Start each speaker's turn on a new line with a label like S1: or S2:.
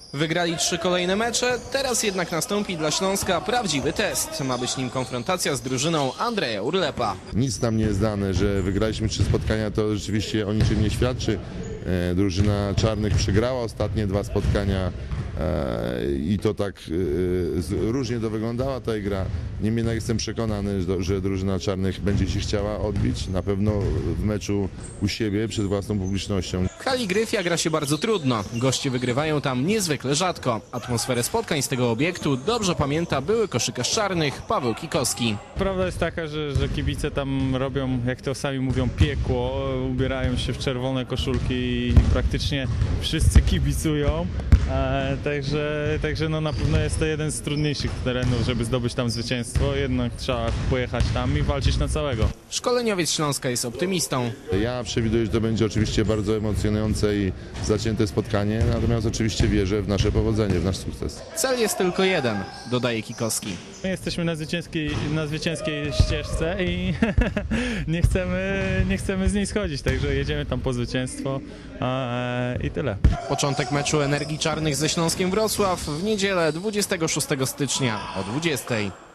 S1: Wygrali 3 kolejne mecze, teraz jednak nastąpi dla Śląska prawdziwy test. Ma być nim konfrontacja z drużyną Andrzeja Urlepa.
S2: Nic nam nie jest dane, że wygraliśmy 3 spotkania, to rzeczywiście o niczym nie świadczy. Drużyna czarnych przegrała ostatnie 2 spotkania i to tak różnie to wyglądała ta gra. Niemniej jednak jestem przekonany, że drużyna czarnych będzie się chciała odbić, na pewno w meczu u siebie przed własną publicznością.
S1: W hali Gryfia gra się bardzo trudno. Goście wygrywają tam niezwykle rzadko. Atmosferę spotkań z tego obiektu dobrze pamięta były koszykarz czarnych Paweł Kikowski.
S3: Prawda jest taka, że kibice tam robią, jak to sami mówią, piekło. Ubierają się w czerwone koszulki i praktycznie wszyscy kibicują. Także no na pewno jest to jeden z trudniejszych terenów, żeby zdobyć tam zwycięstwo. Jednak trzeba pojechać tam i walczyć na całego.
S1: Szkoleniowiec Śląska jest optymistą.
S2: Ja przewiduję, że to będzie oczywiście bardzo emocjonujące i zacięte spotkanie, natomiast oczywiście wierzę w nasze powodzenie, w nasz sukces.
S1: Cel jest tylko jeden, dodaje Kikowski.
S3: My jesteśmy na zwycięskiej ścieżce i nie chcemy z niej schodzić, także jedziemy tam po zwycięstwo i tyle.
S1: Początek meczu Energii Czarnych ze Śląskiem Wrocław w niedzielę 26 stycznia o 20:00.